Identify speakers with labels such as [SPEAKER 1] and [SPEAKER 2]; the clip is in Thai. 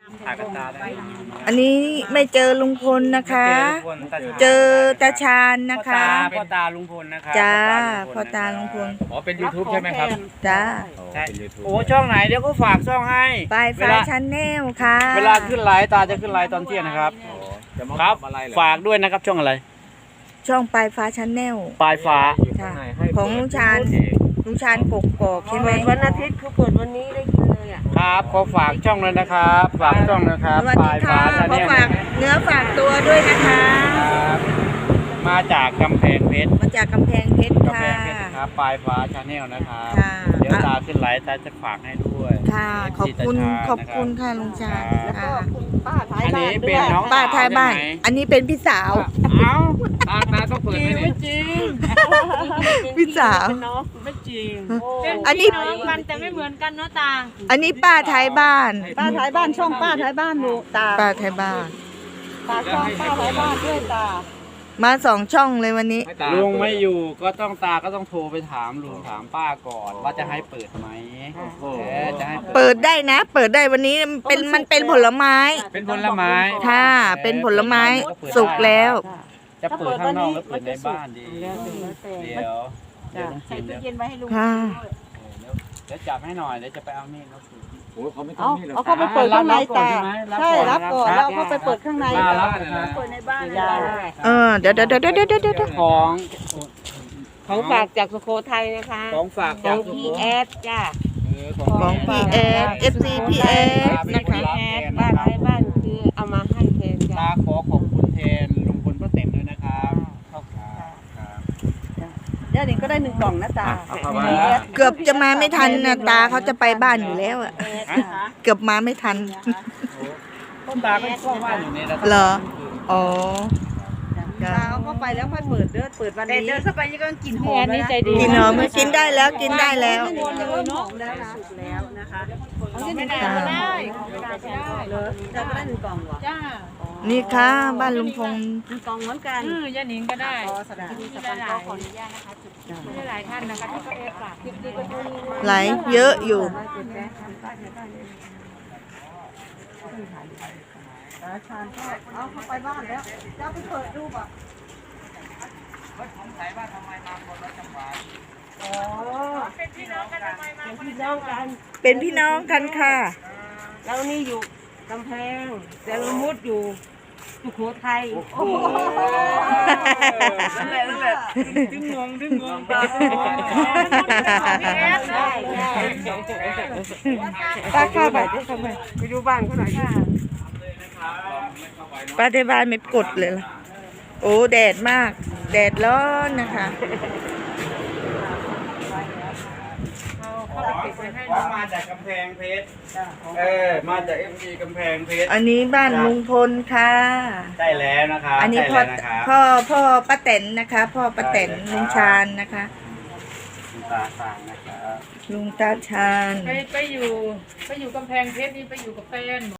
[SPEAKER 1] ถ่ายกับตาได้
[SPEAKER 2] อันนี้ไม่เจอลุงพลนะคะ เจอตาชาญนะคะ
[SPEAKER 1] พ่อตาลุงพลนะครับ
[SPEAKER 2] จ้าพ่อตาลุงพล
[SPEAKER 1] อ๋อเป็น YouTube ใช่ไหมครับ
[SPEAKER 2] จ้า
[SPEAKER 1] ใช่โอ้ช่องไหนเดี๋ยวก็ฝากช่องให้
[SPEAKER 2] ปลายฟ้าชาแนลค่ะ
[SPEAKER 1] เวลาขึ้นไลฟ์ตาจะขึ้นไลฟ์ตอนเที่ยงนะครับครับฝากด้วยนะครับช่องอะไร
[SPEAKER 2] ช่องปลายฟ้าชาแนล
[SPEAKER 1] ปลายฟ้า
[SPEAKER 2] ค่ะของลุงชาญกกอกใช่ไหม
[SPEAKER 3] วันอาทิตย์เขาเปิดวันนี้ได้กินเลยอ่ะ
[SPEAKER 1] ครับขอฝากช่องเลยนะครับฝากช่องนะครับ
[SPEAKER 2] สวัส
[SPEAKER 1] ป
[SPEAKER 2] ดี
[SPEAKER 1] ลาย
[SPEAKER 2] ค่ะ
[SPEAKER 1] ฟ้าชา
[SPEAKER 2] ข
[SPEAKER 1] แน
[SPEAKER 2] อ
[SPEAKER 1] ล
[SPEAKER 2] ฝากเนื้อฝากตัวด้วยนะคะ
[SPEAKER 1] ครับมาจากกำแพงเพชร
[SPEAKER 2] มาจากกำแพงเพชร
[SPEAKER 1] กำแพ
[SPEAKER 2] ค่ะ
[SPEAKER 1] งเพชรนะครับปลายฟ้าชาแนลนะครับ
[SPEAKER 2] ค่ะ
[SPEAKER 1] เดี๋ยวตาขึ้นไลฟ์ตาจะฝากให้ด้วย
[SPEAKER 2] ค่ะ ขอบคุณค่ะลุงชาญ
[SPEAKER 3] แล้วก็
[SPEAKER 2] ค่ะ
[SPEAKER 3] คุณป้าท้าย
[SPEAKER 1] อัน
[SPEAKER 3] บ้า
[SPEAKER 1] นี้
[SPEAKER 3] นด้
[SPEAKER 1] เป็
[SPEAKER 3] วน ย
[SPEAKER 1] น้อง
[SPEAKER 2] ป้าท้ายบ้าน
[SPEAKER 1] ใช่ไหม
[SPEAKER 2] อันนี้เป็นพี่สาว
[SPEAKER 1] เอ้าตาต้องเปิดไม่จริง
[SPEAKER 2] พี่สาว
[SPEAKER 3] เป็นน้อง
[SPEAKER 1] ไม่จริง
[SPEAKER 2] อันนี้
[SPEAKER 4] น้องกันแต่ไม่เหมือนกันเนาะตา
[SPEAKER 2] อันนี้ป้าท้ายบ้าน
[SPEAKER 3] ป้าท้ายบ้านช่องป้าท้ายบ้านดูตา
[SPEAKER 2] ป้าท้ายบ้าน
[SPEAKER 3] ตาช่องป้าท้ายบ้านด้วยตา
[SPEAKER 2] มา2 ช่องเลยวันนี้
[SPEAKER 1] ลุงไม่อยู่ก็ต้องตาก็ต้องโทรไปถามลุงถามป้าก่อนว่าจะให้เปิดไหมจะให้
[SPEAKER 2] เปิดได้นะ เปิดได้วันนี้มันเป็นผลไม้
[SPEAKER 1] เป็นผลไม้
[SPEAKER 2] ค่ะ เป็นผลไม้สุกแล้ว
[SPEAKER 1] จะเปิดข้างนอกหรือเปิดในบ้านดี
[SPEAKER 3] แล้วแต่
[SPEAKER 1] เดี๋ยวลุง
[SPEAKER 3] ใส่
[SPEAKER 1] กิน
[SPEAKER 3] ตู้
[SPEAKER 1] เดี๋ยว
[SPEAKER 3] เย็นไว้ให้ลุง
[SPEAKER 2] ค่ะ
[SPEAKER 1] เดี๋ยวจับให้หน่อยเดี๋ยวจะไปเอามีดมาขูด
[SPEAKER 3] เอาเข้าไปเปิดข้างในตาใช่รับก่อนแล้วเข้าไปเปิดข้างใน
[SPEAKER 1] มารับเลยนะ
[SPEAKER 3] เปิดในบ้าน
[SPEAKER 2] เดี๋ยว
[SPEAKER 1] ของ
[SPEAKER 3] ของฝากจากสุโขทัยนะคะ
[SPEAKER 1] ของฝาก
[SPEAKER 3] ข
[SPEAKER 1] จา
[SPEAKER 3] อก ง
[SPEAKER 1] สุ
[SPEAKER 3] พี
[SPEAKER 1] โข
[SPEAKER 3] แอ
[SPEAKER 1] ทัย
[SPEAKER 3] สจ้า
[SPEAKER 2] ของพี่เอส FC พี่เอสนะคะ
[SPEAKER 3] แอสบ้านท้ายบ้านคือเอามาให้แทนจ้า
[SPEAKER 1] ตาขอขอบคุณแทนลุงพลป้าเต็มด้วยนะครับขอบคุณครับ
[SPEAKER 3] เดี๋ยวนี้ก็ได้1 กล่องนะตา
[SPEAKER 1] เอาเข้ามา
[SPEAKER 2] เกือบจะมาไม่ทันนะตาเขาจะไปบ้านอยู่แล้วอะเกือบมาไม่ทัน
[SPEAKER 1] ต้นตาก็ชอบว่าอยู่นี่นะ
[SPEAKER 2] เหรอ อ๋อ
[SPEAKER 3] ตาเอาเข้าไปแล้วค่อยเปิดเปิดวันนี้เดินเข้าไปยังก็กลิ่นหอม
[SPEAKER 4] นี่ใจดี
[SPEAKER 2] กินหอมกินได้แล้วกินได้แล้ว
[SPEAKER 3] เริ่มหอมแล้วนะสุกแล้วนะคะเอาที่ไหน
[SPEAKER 4] ไม่ได้ก็ได้ไม่ได้ก็ได้
[SPEAKER 3] เลยจะได้1 กล่องเหรอ
[SPEAKER 4] จ้า
[SPEAKER 2] นี่ค่ะบ้านลุงพงษ์
[SPEAKER 3] 1 กล่องเหมือนกัน
[SPEAKER 4] ย่าหนิงก็ได้
[SPEAKER 3] สำหรับที่สปอนเซอร์ขออนุญาตนะคะจุด
[SPEAKER 4] ไม่หลายท่านนะคะที่เขาเอฟฝาก
[SPEAKER 2] ไหลเยอะอยู่
[SPEAKER 3] ชานก็เอาเข้าไปบ้านแล้วจะไปเปิดดูป่ะ
[SPEAKER 1] สงสัยว่าทำไมมาคนละจังหวัด
[SPEAKER 3] อ๋อเป็นพี่น้องกันทำไมมาเป็นพี่น้องกัน
[SPEAKER 2] เป็นพี่น้องกันค่ะ
[SPEAKER 3] แล้วนี่อยู่กำแพงแต่ละมุดอยู่สุโขทัย
[SPEAKER 1] นั่นแหละดึงงงตา
[SPEAKER 3] ใช่
[SPEAKER 2] ตาเข้าไป
[SPEAKER 3] ไปดูบ้านเขาหน่อยค่ะ
[SPEAKER 2] ป้าที่บ้านไม่กดเลยล่ะ โอ้แดดมาก แดดร้อนนะคะ
[SPEAKER 1] ว่ามาจากกำแพงเพชรมาจาก FG กำแพงเพชร
[SPEAKER 2] อันนี้บ้านลุงพลค่ะ
[SPEAKER 1] ใช่แล้วนะครับ
[SPEAKER 2] อันนี้
[SPEAKER 1] ใช่แล้วนะครับ
[SPEAKER 2] พ่อป้าแตนนะคะ พ่อป้าแตนลุงชาญนะคะ
[SPEAKER 1] คุณตาสางนะครับ
[SPEAKER 2] ลุงตาชาญ
[SPEAKER 4] ไปอยู่กำแพงเพชรนี่ไปอยู่กับแฟน